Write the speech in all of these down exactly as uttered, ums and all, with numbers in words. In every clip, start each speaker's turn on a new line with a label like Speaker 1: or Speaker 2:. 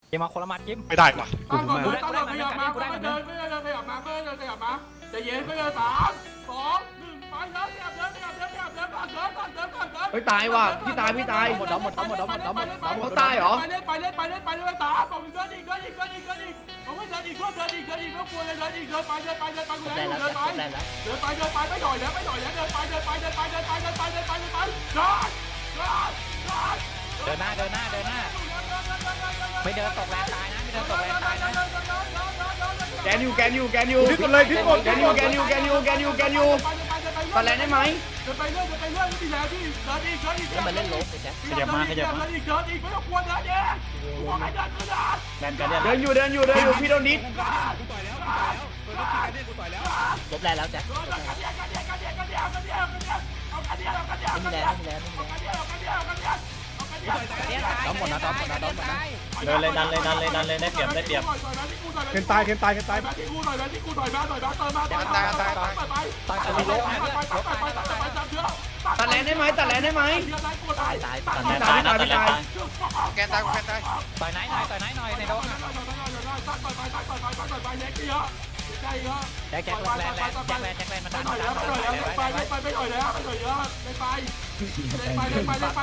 Speaker 1: เกมมาคนละมัดจิ้ม
Speaker 2: ไม่ได้ว่ะ
Speaker 3: ตั้งก่อนเลยตั้งก่อนขยับมาไม่เดินไม่เดินขยับมาไม่เดินขยับมาจะเย็นไม่เดินสามสองหนึ่งไปเดินขยับเดินขยับเดินขยับเดินก่อนเดินก่อนเดินก่อนเดิน
Speaker 4: เฮ้ยตายว่ะพี่ตายพี่ตาย
Speaker 1: หมดแล้วหมดแล้วหมดแล้วหมดแล้วหมดแล้ว
Speaker 4: เขาตายเหรอ
Speaker 3: ไปเล่นไปเล่นไปเล่นไปเล่นสามบอกเดินอีกเดินอีกเดินอีกเดินอีกผมไม่เดินอีกเดินอีกเดินอีกไม่กลัวเลยเดินอีกเดินไปเดินไปเดินไปกู
Speaker 1: ได้
Speaker 3: เดิน
Speaker 1: แล้ว
Speaker 3: เดินไป
Speaker 1: ได้แล้ว
Speaker 3: เดินไปเดินไปไม่หน่อยแล้วไม่หน่อยแล้วเดินไปเดินไปเดินไปเดินไปเดินไปเดินไปเดินไปเดินไปเดินเดิน
Speaker 1: เดินหน้าเดินหน้าเดินหน้าไม่เดินตกแรงตายนะไม่เดินตกแรงตายนะ
Speaker 4: แกนอยู่แกนอยู่แกนอยู่
Speaker 5: ดิ้นหมดเลยดิ้นหมด
Speaker 4: แกนอยู่แกนอยู่แกนอยู่แกนอยู่แกนอยู่ตอนแรกได้ไหม
Speaker 3: เดินไปเรื่อยเดินไปเรื่อยไม่มีแรงที่เดินอีกเดินอีก
Speaker 1: แล้วมันเล่นโลบไปแจ็ค
Speaker 2: ขยับมาขยับมา
Speaker 3: เดินอีกเดินอีกไม่ต้องกลัวเดินเองกูบอกให้เดินก็เดิน
Speaker 2: แลนกันเนี่ย
Speaker 4: เดินอยู่เดินอยู่เดินอยู่พี่โดนดิส
Speaker 5: กูต่อยแล้วกูต่อยแล้วเปิดรถกินกันเนี่ยกูต่อยแล้ว
Speaker 1: ลบแรงแล้วแจ็ค
Speaker 3: เดินกันเดียวกันเดียวกันเดียวกันเดียวกันเดียวกันเดียวเอากันเดียวกันเดียว
Speaker 1: ไม่
Speaker 3: กัน
Speaker 1: มี
Speaker 3: เดี
Speaker 1: แร
Speaker 3: ยว
Speaker 1: งไม่มีแรงไม่มีแรง
Speaker 3: กันเดียวกันเดียวกันเดียวเอากันเดียว
Speaker 1: ต้อมหมดนะต้อมหมดนะต้อมหมดนะ
Speaker 2: เดินเลยดันเลยดันเลยดันเลยได้เปรียบได้เปรียบ
Speaker 5: เคนตายเคนตายเคนตาย
Speaker 3: มาที่กูหน่อยมาที่กูหน่อยมาหน่อยมาเติมมาเติมมาไปไปไปไป
Speaker 1: ตายตายมีโลบนะ
Speaker 3: ไปไปไปไปไปไปจับเยอะ
Speaker 4: ตัดแรงได้ไหมตัดแรงได้ไหม
Speaker 1: ตายตาย
Speaker 2: ตัดแลนตายนะตัดแลนตาย
Speaker 3: แกนตายแกนตาย
Speaker 1: ต่อยไหนหน่อยต่อยไหนหน่อยในโดน
Speaker 3: ใช่เยอะ
Speaker 1: แจ็คแจ็คแรงแรงแจ็คแรงแจ็คแรงมัน
Speaker 3: ไป
Speaker 1: ดัน
Speaker 3: หน่อยแล้วไปหน่อยแล้วไปไปไปหน่อยแล้วไปหน่อยเยอะไปไปไปไปไปไปไปไปไปไปไปไปไปไปไป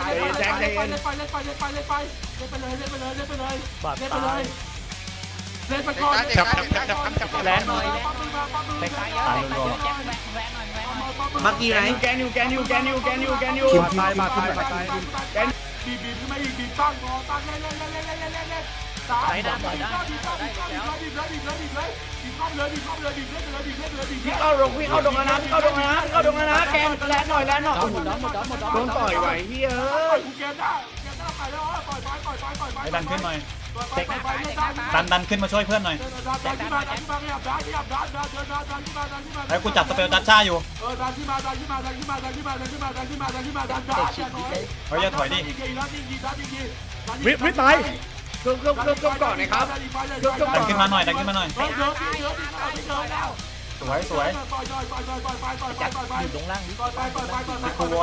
Speaker 3: เลยเล่นไปเลยเล่นไปเลยเล่นไปเลยเล่นไปก่อน
Speaker 1: แรงหน่อยแรงไปตายเยอะไปตายเยอะแจ็คแรงแรงหน่อยแรงหน่อย
Speaker 4: มากี่ไหนแกนอยู่แกนอยู่แกนอยู่แกนอยู่แกนอยู่
Speaker 5: ตายมาตายมาตาย
Speaker 3: บีบบีบขึ้นมาอีกบีบตั้งงอตั้งเล่นเล่นเล่นเล่นเล่นเล่นเล่นเล่นสามบีบบีบบีบบีบเลยบีบเลยบีบเลยบีบเข้าเลยบีบเข้าเลยบีบเล่นเลยบีบเล่นเลยบีบ
Speaker 4: พี่เข้าดงพี่เข้าดงแล้วนะพี่เข้าดงแล้วนะพี่เข้าดงแล้วนะแกนแรงหน่อยแรงหน่อย
Speaker 1: หมดแล้วหมดแล้วหมดแล้ว
Speaker 4: โดนต่อยไหวพี่เอ้ย
Speaker 3: กูเกมได้เกมได้ไปแล้วปล่อยไปปล่อยไปปล่อยไป
Speaker 2: ให้ดันขึ้นหน่อย
Speaker 1: เด็กหน้าตายเด็กหน้าตาย
Speaker 2: ดันดันขึ้นมาช่วยเพื่อนหน่อย
Speaker 3: ดันที่มาดันที่มาขยับดันขยับดันดันดันดันดันที่มาดันที่มา
Speaker 2: ไอ้กูจับสเปลดัชชาอยู่
Speaker 3: เออดันที่มาดันที่มาดันที่มาดันที่มาดันที่มาดันที่มาดันที่มาดันดันอย่าถอย
Speaker 2: เฮ้ยอย่าถอยดิ
Speaker 5: วิวิตาย
Speaker 4: เครื่องเครื่องเครื่องเครื่องก่อนนะครับ
Speaker 2: ดันขึ้นมาหน่อยดันขึ้นมาหน่อย
Speaker 3: เดินเดินเดินเดินแล้ว
Speaker 2: สวยสวย
Speaker 3: ปล่อยปล่อยปล่อยปล่อยปล่อยปล่อยปล่อยปล่อยปล่อยปล่อย
Speaker 1: อยู่ตรงล่างนี้
Speaker 3: ปล่อยปล่อยปล่อยปล่อยปล่อยปล่อยปล่อยปล่อยปล่อยปล่อยปล่อยปล่อยปล่อย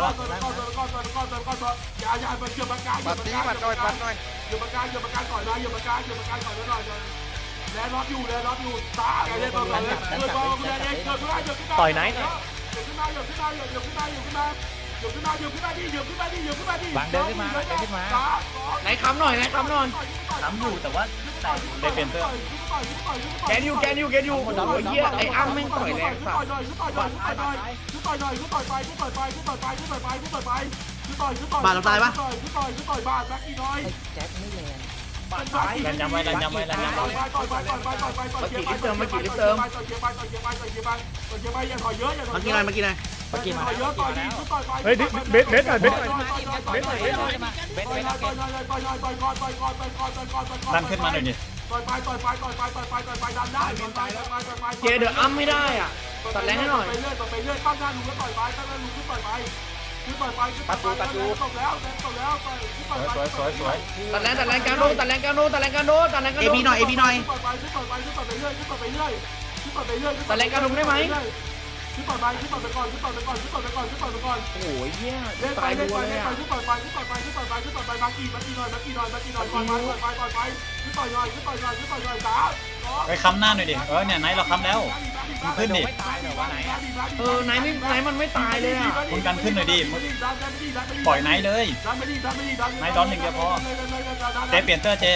Speaker 3: อย่าอย่าไปเกี่ยวปากกาเกี่ยวปากกาเกี่ยวปากกาเกี่ยวปากกาเกี่ยวปากกาก่อนนะเกี่ยวปากกาเกี่ยวปากกาก่อนนะหน่อยแล้วรับอยู่แล้วรับอยู่ตาเล่นบอลเลยเล่นบอลเล่นเองเกี่ยวขึ้นมาเกี่ยวขึ้นมา
Speaker 1: ต่อยไหน
Speaker 3: เกี่ยวขึ้นมาเกี่ยวขึ้นมาเกี่ยวขึ้นมาเกี่ยวขึ้นมาเกี่ยวขึ้นมาเกี่ยวขึ้นมาดิเกี่ยวขึ้นมาดิเกี่ยวขึ้นมาดิ
Speaker 1: บางเดินขึ้นมาเดินขึ้นมา
Speaker 4: ไหนคำหน่อยไหนคำหน่อย
Speaker 2: ทำอยู่แต่ว่าได้เปลี่ยนเสื้อ
Speaker 4: แกนอยู่แกนอยู่แกนอยู่โอ้โหเหี้ยไอ้อ้ำแม่งต่อยแรงสัส
Speaker 3: ต่อยหน่อยต่อยหน่อยต่อยหน่อยต่อยหน่อยต่อยไปต่อยไปต่อยไปต่อยไปต่อยไปต่อยไปต่อยต่อยบาดเราตายปะต่อยต่อยต่อยบาดแบ็คอีน้อย
Speaker 1: แจ็คไม่แรง
Speaker 2: แลนย้ำไว้แลนย้ำไว้แลนย้ำไว้
Speaker 3: ต่อยไปต่อยไปต่อยไปต่อยเกียร์ไปต่อยเกียร์ไปต่อยเกียร์ไปต่อยเกียร์ไปต่อยเกียร์ไปต่อยเกียร์ไปอย่าถอยเยอะอย่าถอยเยอะ
Speaker 4: เมื่อกี้อะไร
Speaker 1: เมื่อกี้มา
Speaker 3: ต่อยเยอะต่อยดีต่อยไป
Speaker 5: เฮ้ยเบสเบสหน่อยเบสหน่อย
Speaker 1: เบสเบสเบสเบส
Speaker 3: ต่อย
Speaker 1: เบส
Speaker 3: ต่อยต่อยต่อยต่อยต่อยก่อนต่อยก่อนต่อยก่อนต่อยก่อนต่อยก่อน
Speaker 2: ดันขึ้นมาหน่อยดิ
Speaker 3: ต่อยไปต่อยไปต่อยไปต่อยไปต่อยไปดันได้ต่อยไปต่อยไปต่อยไป
Speaker 4: เจเดออ้ำไม่ได้อ่ะตัดแรงให้หน่อย
Speaker 3: ไปเรื่อยต่อไปเรื่อยตั้งหน้าลุงแล้วต่อยไปตั้งหน้าลุงขึ้นต่อยไปขึ้นต่อยไปขึ้นต่อยไปตกแล้วตกแล้วต่อยขึ้นต่อยไป
Speaker 2: สวยสวยสวย
Speaker 4: ตัดแรงตัดแรงกลางโดตัดแรงกลางโดตัดแรงกลางโดตัดแรงกลางโด
Speaker 3: เอบีหน่อยเอบีหน่อยขึ้นต่อยไปขึ้นต่อยไปขึ้นต่อยไปเรื่อยขึ้นต่อยไปเรื่อยขึ้นต่อยไปเรื่อย
Speaker 4: ตัดแรงกลางโดได้ไหม
Speaker 3: ขึ้นต่อยไปขึ้นต่อยไปก่อนขึ้นต่อยไปก่อนขึ้นต่อยไปก่อนขึ้นต่อยไปก่อน
Speaker 4: โอ้ยเหี้ย
Speaker 3: เล่นไป
Speaker 4: ตาย
Speaker 3: เล่น
Speaker 4: ดั
Speaker 3: ไป
Speaker 4: วเล
Speaker 3: เล่
Speaker 4: ย
Speaker 3: นไป
Speaker 4: อ่ะ
Speaker 3: ขึ้นต่อยไปขึ้นต่อยไปขึ้นต่อยไปขึ้นต่อยไปมากี่มากี่หน่อยมากี่หน่อยมากี่หน่อยมากี่หน่อยก่อนมาต่อยไปต่อยไปขึ้นต่อยหน่อยขึ้นต่อยหน่อยขึ้นต่อยหน่อยสาม
Speaker 2: ไปค้ำหน้าหน่อยดิเออเนี่ยไหนเราค้ำแล้วขึ้นดิ
Speaker 1: ไม่ตายเหรอวะไหนอ่ะ
Speaker 4: เออไหนไม่ไหนมันไม่ตายเลยอ่ะ
Speaker 2: มึงกันขึ้นหน่อยดิปล่อยไหนเลยไหนดอนหนึ่งเดียวพอเจเปลี่ยนเสื้อเจ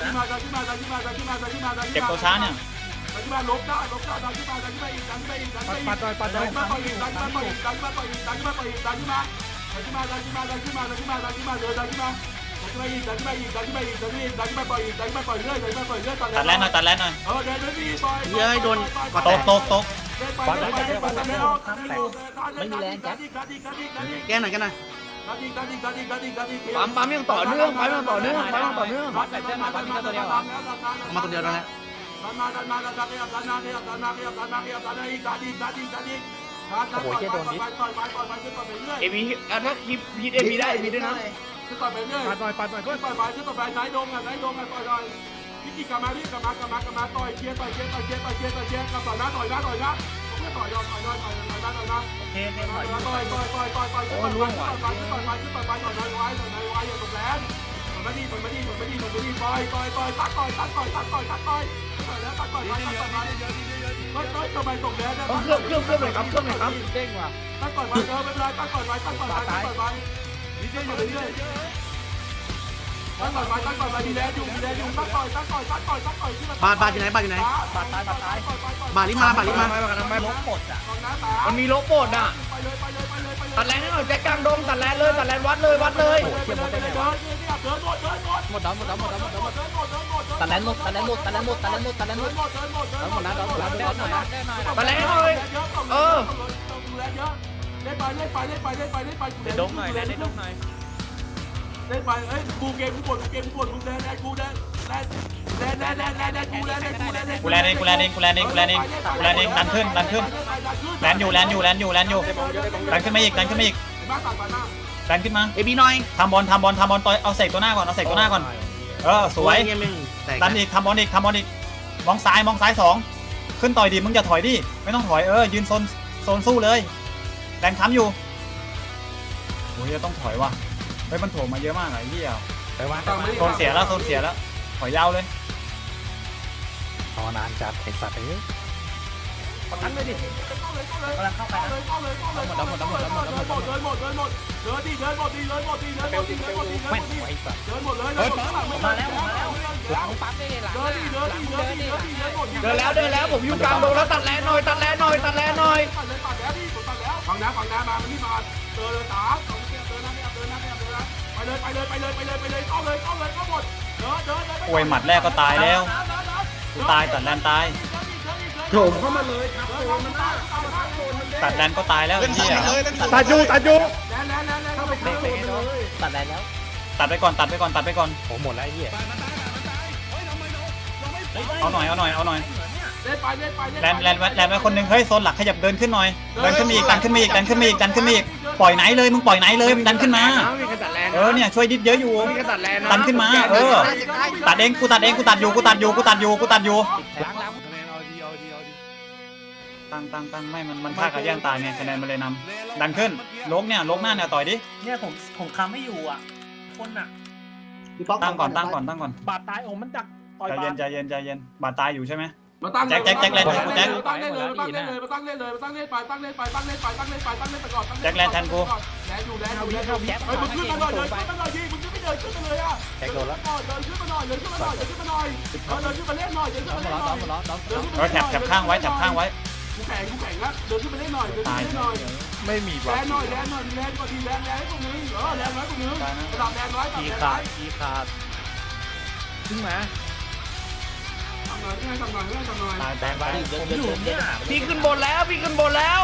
Speaker 2: เก็บตัวช้าเนี่ย
Speaker 3: ดันขึ้นมาลบได้ลบได้ดันขึ้นมาดันขึ้นมาอีกดันขึ้นมาอีกดันขึ้นมาอีก
Speaker 5: ปัดต่อยปัดต่
Speaker 3: ดั
Speaker 5: อน ย
Speaker 3: ขึ้นมาต่อยอีกดันขึ้นมาต่อยอีกดันขึ้นมาต่อยอีกดันขึ้นมาต่อยอีกดันขึ้นมาดันขึ้นมาดันขึ้นมาดันขึ้นมาดันขึ้นมาดันขึ้นมาเดินดันขึ้นมาดันขึ้นมาอีกดันขึ้นมาอีกดันขึ้นมาอีกดันขึ้นมาอีกดันขึ้นมาต่อยอีกดันขึ้นมาต่อยเรื่อยดันขึ้นมาต่อยเรื่อย
Speaker 2: ตัดแลนหน่อยตัดแลนหน่อย
Speaker 3: เออเดินเดินดีต่อย
Speaker 4: เย้ยโดนกด
Speaker 2: ตกตกตก
Speaker 3: ไปไปไปไปไปแล้ว
Speaker 1: ไม่มีแรงแจ็ค
Speaker 4: แกหน่อยแกหน่อย
Speaker 3: ดันอีกดันอีกดันอีกดันอีกดันอีก
Speaker 4: ปั๊มปั๊มยังต่อเนื่องปั๊มยังต่อเนื่องปั๊มยังต่อเนื่อง
Speaker 1: วัดแต่เส้นมาวัดมีตัวเดียวเหรอ
Speaker 4: มาตัวเดียวแล้ว
Speaker 3: ดันมาดันมาดันมาขยับดันมาขยับดันมาขยับดันมาขยับดันมาอีกดันอีกดันอีกดันอีกดันต่อยไปต่อยไปต่อยไปต่อยไปขึ้นต่อไปเรื่อย
Speaker 4: เอพีถ้าคลิปพีเอพีได้เอพีด้วยนะ
Speaker 3: ขึ้นต่อไปเรื่อย
Speaker 5: ปัดต่อยปัดต่อย
Speaker 3: ขึ้นต่อไปขึ้นต่อไปไหนดงอ่ะไหนดงอ่ะต่อยหน่อยพี่กี่กลับมาพี่กลับมากลับมากลับมาต่อยเชียร์ต่อยเชียร์ต่อยเชียร์ต่อยเชียร์ต่อยเชียร์กลับต่อยนะต่อยนะต่อยนะผมจะต่อยยอมต่อยยอมต่อยต่อยนะต่อยนะ
Speaker 1: เทนเทน
Speaker 3: ต่
Speaker 1: ต่
Speaker 3: อ
Speaker 1: อย ย
Speaker 3: ต่อยต่อยต่อยต่อยต่อยต่อยต่อยต่อยต่อยต่อยต่อยต่อยต่อยไว้ต่อยไว้อย่าตกแรงมาดีมาดีมาดีมาดีปล่อยปล่อยปล่อยตัดต่อยตัดต่อยตัดต่อยตัดต่อยตัดต่อยแล้วตัดต่อยตัดต่อยมาเฮ้ยเฮ้ยทำไมตกแล้วนะ
Speaker 4: เครื่องเครื่องเครื่องหน่อยครับเครื่องหน่อยครับ
Speaker 1: เด้งว่ะ
Speaker 3: ตัดต่อยมาเจอไม่เป็นไรตัดต่อยไปตัดต่อยไปตัดต่อยไปดีเจอยู่เรื่อยตัดต่อยไปตัดต่อยไปดีแล้วอยู่ดีแล้วอยู่ตัดต่อยตัดต่อยตัดต่อยตัดต่อยที่มัน
Speaker 6: บาดบาดอยู่ไหนบาดอยู่ไหน
Speaker 1: บาดตายบาดตาย
Speaker 6: บาดลิมาบาดลิมา
Speaker 1: ลบปดอ่ะ
Speaker 4: มันมีโลโปดอ่ะ
Speaker 3: ไปเลยไปเลยไปเลยไปเลย
Speaker 4: ตัดแลนให้หน่อยแจ็คกลางดงตัดแลนเลยตัดแลนวัดเลยวัดเลย
Speaker 3: เดินเดินเดินเดินเดินเดินหมดเดินหมด
Speaker 1: หมดแล้วหมดแล้วหมดแล้วหมดแล้วหมด
Speaker 3: เดินหมดเดินหมด
Speaker 1: ตัดแลนหมดตัดแลนหมดตัดแลนหมดตัดแลนหมดตัดแลนหม
Speaker 3: เดิ
Speaker 1: ด
Speaker 3: นหมดเดินหมดเดินหมด
Speaker 1: หมดแล้วหมดแล้วได้หน่อยได้หน่อย
Speaker 4: ตัดแลนให้หน่อยเออ
Speaker 3: ดูแลเยอะเล่นไปเล่นไปเล่นไปเล่นไปเล่นไป
Speaker 1: ได้ดงหน่อยได้ดงหน่อย
Speaker 3: เล่นไปเอ้ยกูเกมกูปวดกูเกมกูปวดกูแลนแลนกูแลนแลนแลนแลนแลนแลนแลนกูแลนกูแลน
Speaker 2: กูแลนเองกูแลนเองกูแลนเองกูแลนเองกูแลนเองดันขึ้นดันขึ้นแลนอยู่แลนอยู่แลนอยู่แลนอยู่ดันขึ้นมาอีกดันขึ้นมาอีก
Speaker 3: บ้าตัดมาหน้า
Speaker 2: ดันขึ้นมา
Speaker 6: เอบีหน่อย
Speaker 2: ทำบอลทำบอลทำบอลต่อยเอาเสกตัวหน้าก่อนเอาเสกตัวหน้าก่อนเออสวย
Speaker 6: เงี้ยมึงแต่
Speaker 2: ดันอีกทำบอลอีกทำบอลอีกมองซ้ายมองซ้ายสองขึ้นต่อยดิมึงอย่าถอยดิไม่ต้องถอยเออยืนโซนโซนสู้เลยแลนค้ำอยู่โอ้ยจะต้องถอยว่ะเฮ้ยมันโถมมาเยอะมากไอ้เหี้ย
Speaker 1: ไปวาง
Speaker 2: โซนเสียแล้วโซนเสียแล้วถอยยาวเลย
Speaker 1: รอนานจัดไอ้สัตว์เอ้ยประกันเลยดิ
Speaker 3: เข้าเลยเข้าเลยเข้าเลยเข้าเลยเข้าเลยเข้าเลยหมดหมดหมดหมดหมดเดินหมดเดินหมดเดินดิเดินหมดดิเดินหมดดิเดินหมดดิเดินหมดดิเดินหม
Speaker 1: แม่
Speaker 3: ด
Speaker 1: ง
Speaker 3: ดิ
Speaker 1: ไอ้สัตว์
Speaker 3: เดินหมดเลยเดินหมดหลังไม่
Speaker 1: มาแล้วมาแล้วหลังปั๊บได้หลัง
Speaker 3: เดินดิเดินดิเดินดิเดินดิเดินหมด
Speaker 4: เดินแล้วเดินแล้วผมอยู่กลางดงแล้วตัดแลนหน่อยตัดแลนหน่อยตัดแลนหน่อย
Speaker 3: ตัดเลยตัดแล้วดิผมตัดแล้วฝั่งน้ำฝั่งน้ำมามันนี่มาเดินเลยตาเดินนะเดินนะเดินนะเดินนะไปเลยไปเลยไปเลยไปเลยไปเลยเข้าเลยเข้าเลยเข้าหมดเดินเดินเดิน
Speaker 2: โอ้ยหมัดแรกก็ตายแล้วกูตายตัดแลนตาย
Speaker 3: โถมเข้ามาเลยครับโถมมันได้
Speaker 2: ตัดแลนก็ตายแล้วไอ้เหี้ย
Speaker 5: ตัดอยู่ตัดอยู่
Speaker 3: แน่แน่แน่แน่เข้าไป
Speaker 1: เตะเตะโดนตัดแลนแล้ว
Speaker 2: ตัดไปก่อนตัดไปก่อนตัดไปก่อน
Speaker 1: โอ้หมดแล้วไอ้เหี้ย
Speaker 2: เอาหน่อยเอาหน่อยเอาหน่อย
Speaker 3: เล่นไปเล่นไป
Speaker 2: แลนแลนไว้แลนไว้คนหนึ่งเฮ้ยโซนหลักขยับเดินขึ้นหน่อยเดินขึ้นมาอีกดันขึ้นมาอีกดันขึ้นมาอีกดันขึ้นมาอีกปล่อยไหนเลยมึงปล่อยไหนเลยมึงดันขึ้นมา
Speaker 4: มีกระตัดแลน
Speaker 2: เออเนี่ยช่วยดิดเยอะอยู่
Speaker 4: มีกระตัดแลน
Speaker 2: ดันขึ้นมาเออตัดเองกูตัดเองกูตัดอยู่กูตัดอยู่กูตัดอยู่กูตัดอยู่
Speaker 1: ล้างล้าง
Speaker 2: ตั้งตั้งตั้งไม่มันมันฆ่ากับแย่งตายไงคะแนนมันเลยนำดันขึ้นลกเนี่ยลกหน้าเนี่ยต่อยดิ
Speaker 7: เนี่ยผมผมคำไม่อยู่อ่ะ คนอ่ะ
Speaker 2: ตั้งก่อนตั้งก่อนตั้งก่อน
Speaker 7: บาดตายโอ้มันดักต่อย
Speaker 2: ใจ
Speaker 7: บา
Speaker 2: เย็น
Speaker 7: ด
Speaker 2: ใจเย็นใจเย็นบาดตายอยู่ใช่ไหม
Speaker 3: มาตั้ง
Speaker 2: แจ็คแจ็คแจ็คแลนแทนกูแจ็ค
Speaker 3: มาตั้งเล่นเลยมาตั้งเล่นเลยมาตั้งเล่นเลยมาตั้งเล่นไปตั้งเล่นไปตั้งเล่นไปตั้งเล่นไปตั้งเล่นไปก่อนแลนอยู่แลนอยู่แลนอยู่เฮ้ยมึงขึ้นมาหน่อยเลยขึ้นมาหน่อยดิมึงจะไม่เดินขึ้นมาเลยอ่ะ
Speaker 1: แจ็คโดนแล้ว
Speaker 3: เดินขึ้นมาหน่อยเดินขึ้นมาหน่อยเดินขึ้นมาหน่อยเดินขึ้นมาเล่นหน่อยเดินขึ้น
Speaker 1: หม
Speaker 3: มา
Speaker 1: ด
Speaker 3: เล่น
Speaker 1: แล้ว
Speaker 3: หน่อย
Speaker 1: หมดแล้ว
Speaker 2: เออแถบแถบข้างไว้แถบข้างไว้
Speaker 3: กูแข่งกูแข่งแล้วเดินขึ้นมาเล่นหน่อยเดินขึ้นมาเล่นหน่อย
Speaker 1: ไม่มี
Speaker 3: แลนหน่อยแลนหน่อยแลนก่อนดีแลนแลนตรงนี้เออแลนไว้ตรงนี้ระดับแลนไว้ระดับ
Speaker 1: กี
Speaker 3: แลน
Speaker 1: ขา
Speaker 3: ไว้
Speaker 1: ดกีขาดขึ้นมา
Speaker 3: ทำหน่อยให้ทำหน่อยให้ทำหน่อย
Speaker 2: ตายแตกไป
Speaker 7: ผมอยู่เนี่ย
Speaker 4: พี่ขึ้นบนแล้วพี่ขึ้นบนแล้ว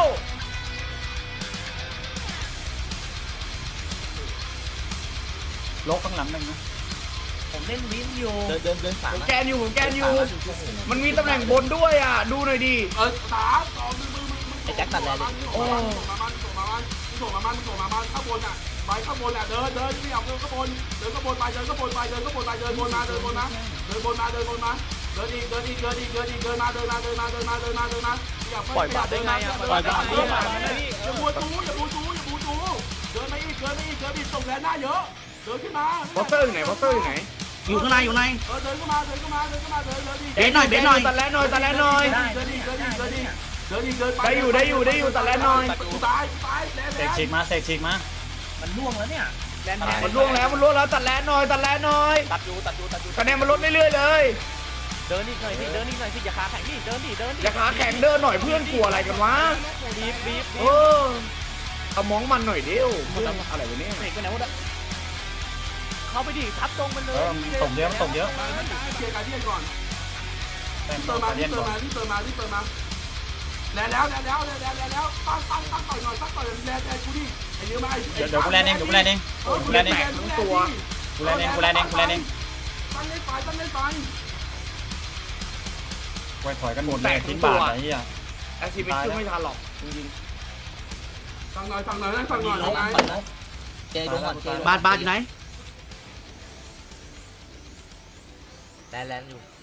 Speaker 2: ลกข้างหลังหนึ่งนะ
Speaker 7: ผมเล่นวินอยู่
Speaker 1: เดินเดินเดินสาม
Speaker 4: ผมแกนอยู่ผมแกนอยู่ มันมีตำแหน่งบนด้วยอ่ะดูหน่อยดิ
Speaker 3: เออสามสองมือมือมือมือ
Speaker 1: ไอ้แจ็คตัดแลนเลย
Speaker 3: โอ้ส่งมามันส่งมามันส่งมามันส่งมามันข้างบนอ่ะไปข้างบนอ่ะเดินเดินไม่เอาเดินข้างบนเดินข้างบนไปเดินข้างบนไปเดินข้างบนไปเดินบนมาเดินบนมาเดินบนมาเดินบนมาเดินอีกเดินอีกเดินอีกเดินอีกเดินมาเดินมาเดินมาเดินมาเดินมาเดินมาอย่าปล่อยบาดได้ไงอ่ะปล่อยบาดได้ไงอย่าบูจูอย่าบูจูอย่าบูจูเดินมาอีกเดินมาอีกเดินอีกส่งแรงหน้าเยอะเดินขึ้นมา
Speaker 4: บอสเตอร์อยู่ไหนบอสเตอร์อยู่ไหน
Speaker 6: อยู่ข้างในอยู่ใน
Speaker 3: เออเดินเข้ามาเดินเข้ามาเดินเข้ามาเดินเดินอีก
Speaker 6: เบสหน่อยเบสหน่อย
Speaker 4: ตัดแลนหน่อยตัดแลนหน่อย
Speaker 3: เดินอีกเดินอีกเดินอีกเดินอีกเดินไป
Speaker 4: ได้อยู่ได้อยู่ได้อยู่ตัดแลนหน่อย
Speaker 3: กูตายกูตายแรง
Speaker 2: เส
Speaker 3: แร
Speaker 2: ก
Speaker 3: ง
Speaker 2: ฉีกมาเสกฉีกมา
Speaker 7: มันล่วงแล้วเนี่ยแลนแทน
Speaker 4: มันล่วงแล้วมันล่วงแล้วตัดแลนหน่อยตัดแลนหน่อย
Speaker 1: ตัดอยู่ตัดอยู่ตัดอยู่
Speaker 4: คะแนนมันลดเรื่อยๆเลย
Speaker 1: เดินนี่หน่อยสิเดินนี่หน่อยสิอย่าขาแข็งนี่เดินดิเดิน
Speaker 4: อย่าขาแข็งเดินหน่อยเพื่อนกลัวอะไรกันวะ
Speaker 1: บีบบีบ
Speaker 4: เออเอามองมันหน่อยเดียวเพื่อนอะไรวะเนี่ย
Speaker 1: เสกไปไหนหมดอะเข้าไปดิทับตรงมันเล
Speaker 2: เอย อมันตกเยอะมันตกเยอะ
Speaker 3: เคลียร์การเดียนก่อน
Speaker 2: เติม
Speaker 3: เติมมา
Speaker 2: เย็
Speaker 3: ที่
Speaker 2: น
Speaker 3: เติ
Speaker 2: ก่
Speaker 3: ม
Speaker 2: อน
Speaker 3: มาที่เติมมาที่เติมมาแล้วแล้วแล้วแล้วแล้วแล้วตั้งตั้งตั้งต่อยหน่อยตั้งต่อยแรงแรงกูดิไอ้เยอะมา
Speaker 2: เดี๋ยวเดี๋ยวกูแลนเองเดี๋ยวกูแลนเองกูแลนเอง
Speaker 3: ทั้งตัว
Speaker 2: กูแลนเองกูแลนเองกูแลนเอง
Speaker 3: ตั้งเล่นไปตั้งเล่นไป
Speaker 2: ไว้ถอยกันหมดเลยทิ้งบาดไอ้เหี้ย
Speaker 4: แอคทีฟไม่ทันหรอกจริง
Speaker 3: ตั้งหน่อยตั้งหน่อยตั้งหน่อย
Speaker 1: ลง
Speaker 3: ไง
Speaker 1: ก่อนนะเจดงก่อนเจ
Speaker 6: บาดบาดอยู่ไหน
Speaker 1: แลนแลนอยู่